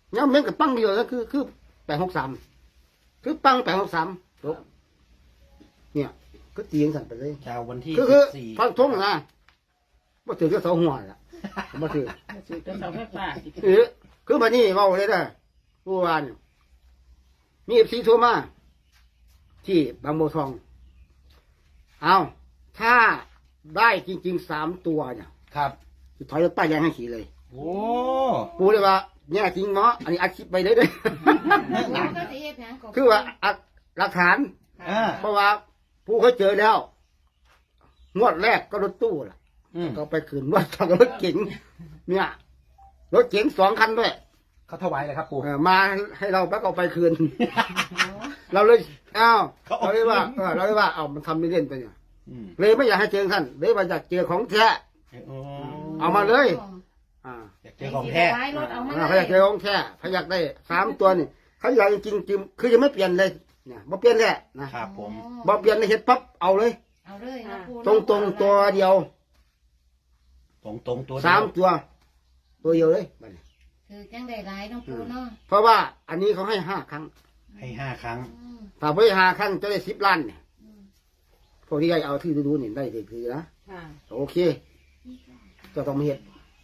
เนี่ยเม้นกับปังเดียวก็คือ863คือปัง863จบเนี่ยก็ตีกันสั่นไปเลยชาววันที่คือ 14 ฟังทงนะบ่ถือก็เสาหัวล่ะบ่ถือสื่อจะเสาไฟฟ้าคือมานี่เว้าเลยนะผู้ว่านี่มีFCโทรมาที่บางบัวทองเอาถ้าได้จริงๆ3ตัวเนี่ยครับสิถอยรถป้ายแดงให้ขี่เลยโอ้ปูเลยว่าเนี่ยจริงเนาะอันนี้อัดคลิปไปเลยเด้อก็สิเฮ็ดหยังก็คือว่าอัดหลักฐานอ่าเพราะว่าผู้เขาเจอแล้ว งวดแรกก็รถตู้ล่ะอืมก็ไปคืนรถกับรถเก๋งเนี่ยรถเก๋ง2 คันด้วยเขาถวายเลยครับปู่มาให้เราแล้วก็เอาไปคืน เราเลยอ้าวเราเลยว่าเราเลยว่าเอามันทำไม่เล่นไปเนี่ยอืมเลยไม่อยากให้เจอท่านเลยว่าอยากเจอของแท้โอ้เอามาเลย อ่าอยากเจอของแท้ไว้รถเอามาเขาอยากเจอของแท้เขาอยากได้3 ตัวนี่เขาอยากจริงๆคือยังไม่เปลี่ยนเลยเนี่ยบ่เปลี่ยนแหละนะครับผมบ่เปลี่ยนในเฮ็ดปั๊บเอาเลยเอาเลยนะปูตรงๆตัวเดียวตรงตรงตัวเดียว 3 ตัวเดียวเลยบัดนี้คือจังได้หลายเนาะปูเนาะเพราะว่าอันนี้เขาให้5 ครั้งให้5 ครั้งถ้าไม่5 ครั้งจะได้10 ล้านเนี่ยพวกที่ได้เอาที่ดูๆนี่ได้คือนะค่ะโอเคจะต้องมาเฮ็ด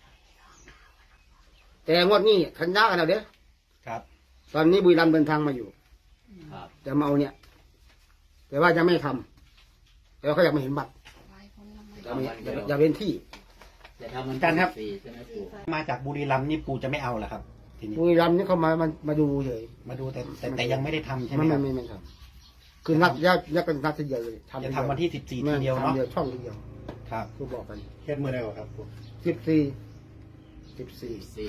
แต่งวดนี้ขันยากันแล้วเด้อครับตอนนี้บุรีรัมย์เดินทางมาอยู่ครับจะมาเอาเนี่ย แต่ว่าจะไม่ทำแต่ว่าเขาอยากมาเห็นบัตรอยากเห็นที่จะทำมันการครับฟรีใช่ไหมปู่มาจากบุรีรัมย์นี่ปู่จะไม่เอาเหรอครับ ทีนี้บุรีรัมย์นี่เขามาดูเลยมาดูแต่ยังไม่ได้ทำใช่ไหมไม่ครับไม่ทำคือนัดยักกันนัดทีเดียวเลยจะทำวันที่14ทีเดียวเนาะเดียวช่องทีเดียวครับคือบอกกันเฮ็ดมือได้ครับปู่ 14 สี่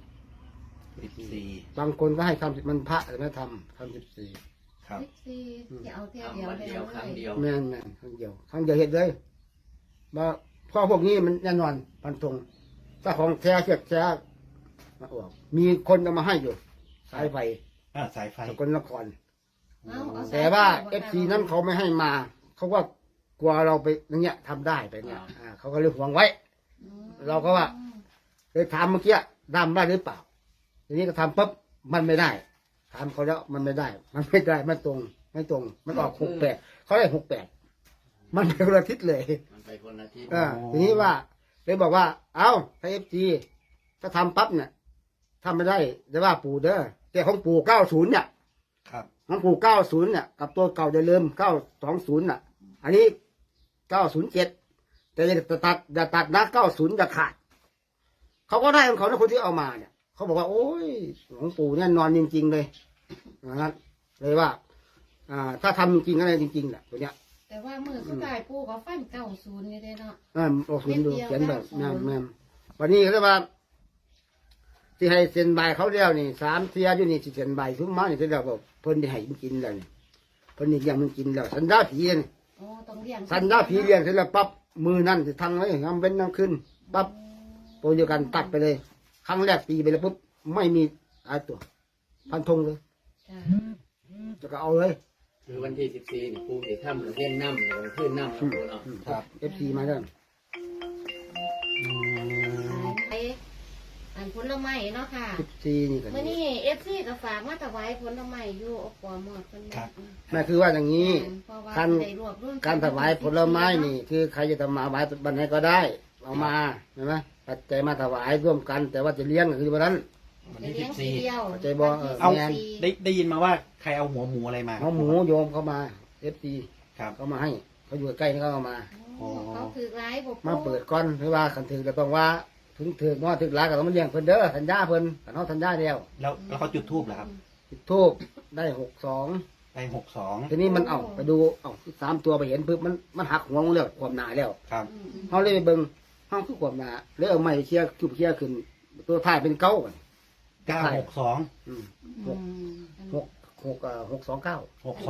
14 บางคนก็ให้ทำมันพระแต่ไม่ทำ14 ครับ 14อย่าเอาเท่าทำเดียววันไปเดียวเลครั้งยเดียวแม่นครั้งเดียวเห็นเลยว่าพ่อพวกนี้มันแน่นอนพันธงถ้าของแท้เสียแท้มาออกมีคนเอามาให้อยู่สายไฟสายไฟสกลนครเอาเอาแต่ว่าFCนั้นเขาไม่ให้มา เขาว่ากลัวเราไปอย่างเงี้ยทำได้ไปเนี่ยเขาก็เลยหวงไว้ เราก็ว่า เลยถามเมื่อกี้ดำได้หรือเปล่าทีนี้ก็ทำปุ๊บมันไม่ได้ถามเขาแล้วมันไม่ได้ไม่ตรงมันออก68เขาได้68มันเป็นคนละทิศเลยมันไปคนละที่ทีนี้ว่าเลยบอกว่า เอาถ้าFGถ้าทำปั๊บเนี่ยทำไม่ได้จะว่าปู่เด้อแต่ของปู่90เนี่ยครับของปู่90เนี่ยกับตัวเก่าจะเริ่ม920น่ะ อันนี้907แต่อย่าตัดนะ90จะขาดเขาก็ได้ของเขานะคนที่เอามาเนี่ยเขาบอกว่าโอ้ยของปู่เนี่ยนอนจริงๆเลยนะครับเลยว่า ถ้าทำจริงๆอะไรจริงๆแหละตัวเนี้ยแต่ว่ามือสุดท้ายปูก็ฟัน90นี่ได้เนาะโอ้คุณดูเขียนแบบแม่วันนี้เขาเรียกว่าที่ให้เซ็นใบเขาเรียกนี่3 เที่ยอยู่นี่สิเซ็นใบทุกมานี่เขาเรียกว่าเพิ่นได้ให้มันกินแล้วนี่เพิ่นนี่ยังมันกินแล้วสันดาผีนี่โอ้ต้องเลี้ยงสันดาผีเลี้ยงเสร็จแล้วปั๊บมือนั่นสิทางไว้งำเป็นน้ำขึ้นปั๊บตัวเดียวกันตัดไปเลย ครั้งแรกตีไปแล้วปุ๊บไม่มีอะไรตัว พันธงเลยจ้ะจะก็เอาเลยคือวันที่14นี่ปู่จะทำเล่นน้ำเลยขึ้นน้ำแล้วปู่เนาะครับ FC มาแล้วไปอันผลไม้เนาะค่ะ 14นี่กันมื่อนี้FC ก็ฝากมาถวายผลไม้อยู่อบปอหมดเพิ่นครับแม่คือว่าอย่างนี้เพราะว่าการได้รวบรวมการถวายผลไม้นี่ คือใครจะทำมาถวายบันไหนก็ได้ เอามาใช่ไหมปัจจัยมาถวายร่วมกัน แต่ว่าจะเลี้ยงก็คือวันนั้นวันไปที่เลี้ยงทีเดียวใจบ่เอาแม่นได้ยินมาว่าใครเอาหัวหมูอะไรมาเอาหมูโยมเข้ามา FC ครับเขามาให้เขาอยู่ใกล้นี่เขาเอามาโอ้เขาถือร้ายบ่มาเปิดก้อนหรือว่าขันถือก็ต้องว่าถึงถือว่าถึงร้ายก็ต้องมาเลี้ยงเพิ่นเด้อสัญญาเพิ่นขันเขาสัญญาเดียวแล้วเขาจุดทูบเหรอครับจุดทูบได้62 ได้62 ทีนี้มันไปดู3 ตัวไปเห็นปึ๊บมันหักหัวมันแล้วความหนาแล้วครับเขาเลยไปเบิ่งห้องคือความหนาเลยเอาไม้เชี่ยคืบเชี่ยขึ้น ตัวท้ายเป็นเก้ากัน 962 อืม629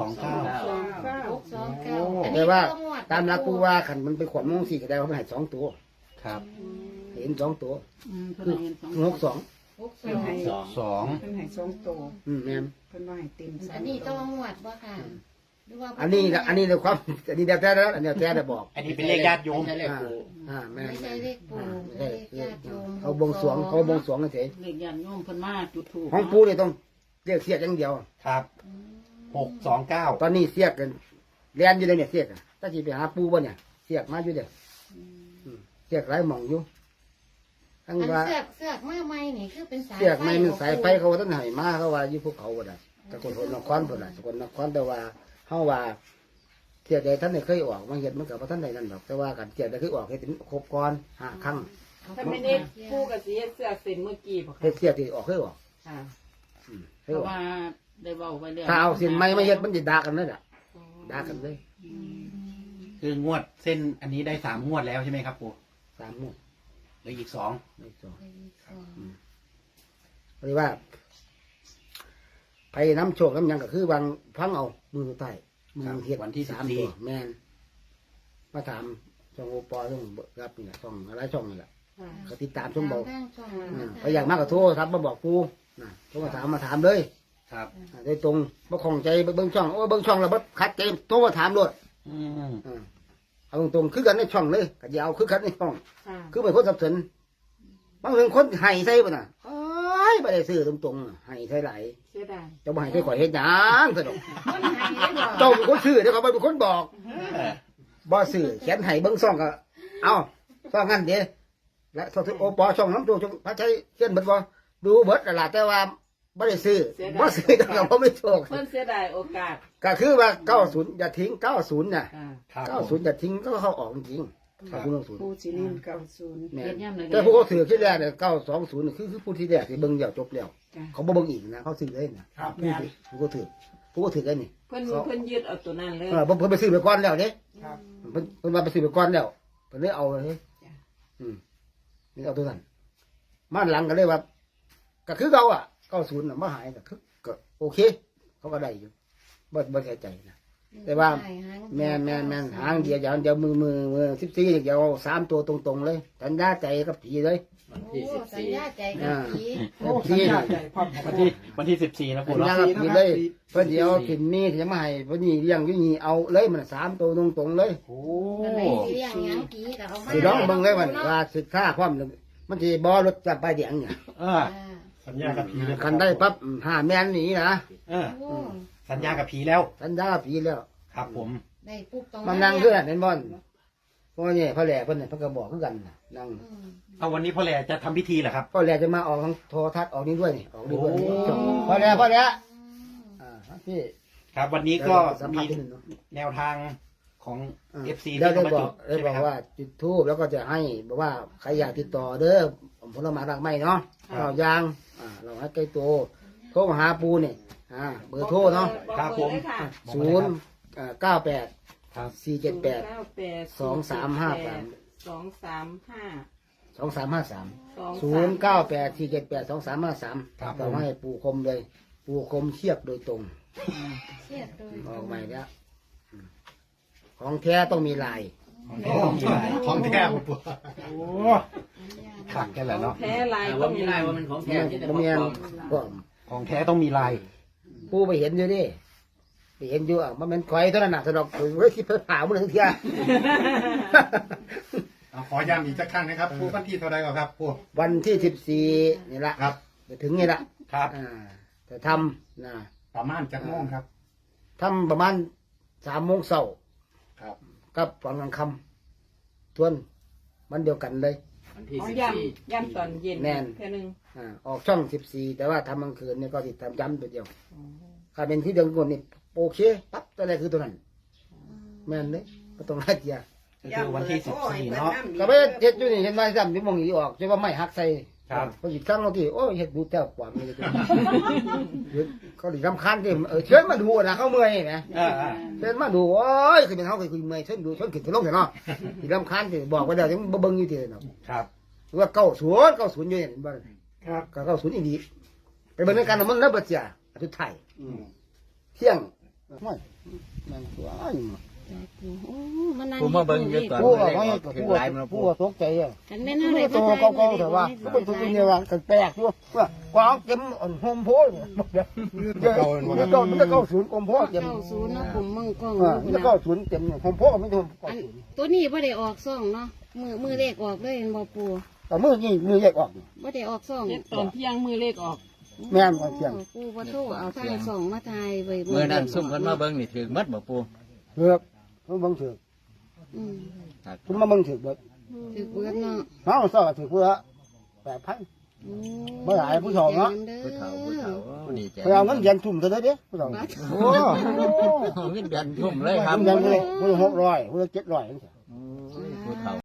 629 แต่ว่าตามหลักผู้ว่าขันมันไปขวบมงสี่ก็ได้ว่ามันให้2 ตัวครับเห็น2 ตัวเพิ่คืนอให้สอง 62 เพิ่นให้ 2 2 เพิ่นให้2โตวแม่นเพิ่นว่าให้เต็มอันนี้ต้องงวดบ่ค่ะหรือว่าอันนี้นะอันนี้ในความอันนี้เดี๋ยวแต่แล้วอันเดียวแต่ได้บอกอันนี้เป็นเลขญาติโยมไม่ใช่เลขปูแม่นไม่ใช่เลขปู่ไม่ใช่เลขญาติโยมเขาบวงสรวงเขาบวงสรวงกันเฉยเลขยันโยมเพิ่นมาจุดถูกของปูเนี่ยต้องเรียกเสียกอย่างเดียวครับ629 ตอนนี้เสียกกันเรียนอยู่เลยเนี่ยเสียกอะถ้าจีไปหาปูบ่เนี่ยเสียกมาอยู่เด้อเสียกหลายหม่องอยู่ทั้งอันว่าเสือกมาใหม่นี่คือเป็นสายเสียกไม่มันสายไฟเขาว่าท่านให้มาเขาว่าอยู่ภูเขาบ่ได้แต่คนนครบ่ได้คนนครแต่ว่าเฮาว่าเสียกใดท่านได้เคยออกมาเฮ็ดมันก็บ่ท่านได้นั่นดอกแต่ว่ากันเสียกได้เคยออกเฮ็ดเป็นครบก่อน5ครั้งถ้าไม่ได้คู่กับสีเสื้อเส้นเมื่อกี้บ่เฮ็ค่ะดเสียกที่ออกเคยออกค่ะเคเพยอราะอกว่าได้เว้าไว้แล้วถ้าเอาเส้นไม้มาเฮ็ดมันสิด่ากันเลยล่ะด่ากันเลยคืองวดเส้นอันนี้ได้3งวดแล้วใช่ไหมครับปู่ 3มื้อเหลืออีก2 ไม่สองหรือว่าไปน้ำโชคน้ำหยังก็คือวางพังเอามือใต้มือเฮ็ดวันที่ 3ตัวแม่นมาถามช่องโอปอช่องเบิกรับนี่แหละช่องอะไรช่องนี่แหละก็ติดตามช่องบอกทางช่องนั้นไปอย่างมากก็โทรครับมาบอกกูนะโทรมาถามเลยครับโดยตรงบ่ของใจเบิ่งช่องโอ้เบิ่งช่องแล้วบ่คัดใจโทรมาถามโลดอืมเอาตรงๆคือกันในช่องเลยก็อย่าเอาคือกันในช่องค่ะคือเป็นคนสับสนบางเรื่องคนให้ใส่ป่ะน่ะโอ้ยไม่ได้ซื้อตรงๆให้ใส่ไหลายเสียดายเจ้าบ่ให้ใส่ข่อยเฮ็ดหยังสะดอกคนไทยได้บอกเจ้าเป็นคนซื้อเดี๋ยวเขาเป็นคนบอกบ่ซื้อเขียนให้เบิ่งซ่องก็เอาซ่องงั้นเด้และซ่องโอปอช่องน้ำตัวช่องพระชัยเขียนเบิดบ่ดูเบิดนั่นล่ะแต่ว่าบ่ได้ซื้อบ่ซื้อก็บ่ไม่โชคเพิ่นเสียดายโอกาสก็คือว่า90อย่าทิ้ง90น่ะค่ะครับ 90อย่าทิ้งก็เข้าออกจริงๆครับคุณลงศูนย์ผู้สินินเก้าศูนย์แม่เฮ็ดยามใดแต่ผู้เขาถือที่แรกเนี่ย920นี่คือผู้ที่แรกที่เบิ่งเดียวจบแล้วจ้ะเขาบ่เบิ่งอีกนะเขาซื้อเลยนะครับ ผู้ก็ถือผู้ก็ถือกันนี่เพิ่นยึดเอาตัวนั้นเลยเพิ่นไปซื้อไปก่อนแล้วเด้ครับเพิ่นมาไปซื้อไปก่อนแล้วเพิ่นเลยเอาเลยจ้ะนี่เอาตัวนั้นมาหลังก็เลยว่าก็คือเราอ่ะ90น่ะมาหายก็คือก็โอเค เขาก็ได้อยู่บ่เสียใจนะแต่ว่าแม่นหางเดียวอย่างเดียวมือ14เดียว3ตัวตรงๆเลยสัญญาใจกับผีเลยวันที่โอ้สัญญาใจกับผีผีวันที่14นะสัปู่ญเนาะญากับผีเลยเพิ่นเดียวถิ่นมีจะมาให้เพิ่นนี่เลี้ยงอยู่นี่เอาเลยมัน3ตัวตรงๆเลยโอ้อันไหนสิเลี้ยงหยังผีก็เอามาสิร้องเบิ่งเลยมันว่าศึกษาความนึงมันสิบ่รถจับไปเดียงเนี่ยเออสัญญากับผีเลยคันได้ปั๊บห้าแม่นหนีนะเออโอ้สัญญากับผีแล้วสัญญากับผีแล้วครับผมได้ปุ๊บตรงมันนั่งคือเห็นบ่เพราะนี่พ่อแหล่เพิ่นน่ะเพิ่นก็บอกคือกันน่ะนั่งเอาวันนี้พ่อแหล่จะทำพิธีเหรอครับพ่อแหล่จะมาออกทางโทรทัศน์ออกนี่ด้วยนี่ออกนี่ด้วยพ่อแหล่พี่ครับ วันนี้ก็สัมมีภาษณ์นิดนึงเนาะแนวทางของ FC แล้ที่วได้เขามาบอจุกดได้ใช่ไหบมอกครับว่าจุดทูบแล้วก็จะให้บอกว่าใครอยากติดต่อเด้อผลไม้รากไม้เนาะข้าวยางเราให้ใกล้ตัวโทรมาหาปูนี่เบอร์โทรเนาะครับผม 098 ครับ 478 2353 2353 098 478 2353 ครับผมเราให้ปูคมเลย ปูคมเทียบโดยตรงเสียดโดยออกใหม่แล้วของแท้ต้องมีลายของแท้ปู่โอ้ขัดกันแหละเนาะแพ้ลายว่ามีลายว่ามันของแท้ที่แต่บ่ของมีปลอมก็ของแท้ต้องมีลายปูไปเห็นอยู่ดิไปเห็นอยู่มันเป็นควายเท่านั้นน่ะสะดอกเฮ้ยที่เพิ่นผ่ามันทั้งเที่ยขอย้ำอีกสักครั้งนะครับผู้วันที่เท่าไรก่อนครับผู้วันที่14นี่ละครับไปถึงนี่ละครับจะทำนะประมาณจักโมงครับทำประมาณ3 โมงเช้าครับกับตอนกลางค่ำทวนมันเดียวกันเลยวันที่อ๋อ 14 ย่ำตอนเย็นแน่นแค่นึงออกช่อง14แต่ว่าทำกลางคืนนี่ก็ติดทำย้ำตัวเดียวถ้าเป็นที่เดียวกันนี่โอเคปั๊บตัวแรกคือตัวนั้น แม่นเลยก็ต้องให้เกียร์ก็คือวันที่14เนาะก็ไปเฮ็ดอยู่นี่เห็นไหมซ้ำที่มองอีออกใช่ว่าไม่หักใส่ครับพอหยิบครั้งเราที่โอ้ยเฮ็ดดูแต้วกว่ามีเลยเขาดิรำคาญที่เชิญมาดูนะเขาเมื่อยนะ เชิญมาดูโอ้ยคือเป็นเขาเคยคุยเมื่อยเชิญดูเชิญขึ้นขึ้นลงเถอะเนาะดิรำคาญที่บอกว่าเดี๋ยวจะเบิ่งอยู่ที่เนาะครับว่า90อยู่เนี่ยบ้านครับก็90อีกดีไปเบิ่งในการมันแล้วบ่เสียสุดท้ายเที่ยงไม่แม่งตัวอ้ายมันนั่งปูมาเบิ่งอยู่ตอนผู้เลว่าขเขาอให้อกถึงผู้หลายมันผู้ปูว่าตกใจอ่ะกันแม่นอะไรตัวเก่าๆแต่ว่าก็เป็นตัวนี้ว่าแปลกด้วยว่ากวางเต็มโฮมโพสเดี๋ยวมันจะเข้าศูนย์โฮมโพสเต็มเข้าศูนย์เนาะกลุ่มมึงกล้องมันจะเข้าศูนย์เต็มโฮมโพสไม่ใช่โฮมโพสตัวนี้บ่ได้ออกซ่องเนาะมือเลขออกเลยเห็นบ่ปูแต่มือนี่มือแยกออกบ่ได้ออกซ่องเฮ็ดตอนเที่ยงมือเลขออกแม่นก่อนเที่ยงปูบ่โทรเอาทางซ่องมาทายไว้เมื่อนั้นซุ่มเพิ่นมาเบิ่งนี่ถึงมัดบ่ปูเถือกมันบังเถือกอืมคุณมาบังเถือกเบิดถือเบิดเนาะน้องซ่อถือเพื่อ8,000บ่หลายผู้ชมเนาะผู้เฒ่าดีใจไปเอาเงินเดือนทุ่มเท่านั้นเด้ผู้ชมโอ้เงินเดือนทุ่มเลยครับเงินเดือนเลยผู้ละ600ผู้ละ700 ผู้เฒ่า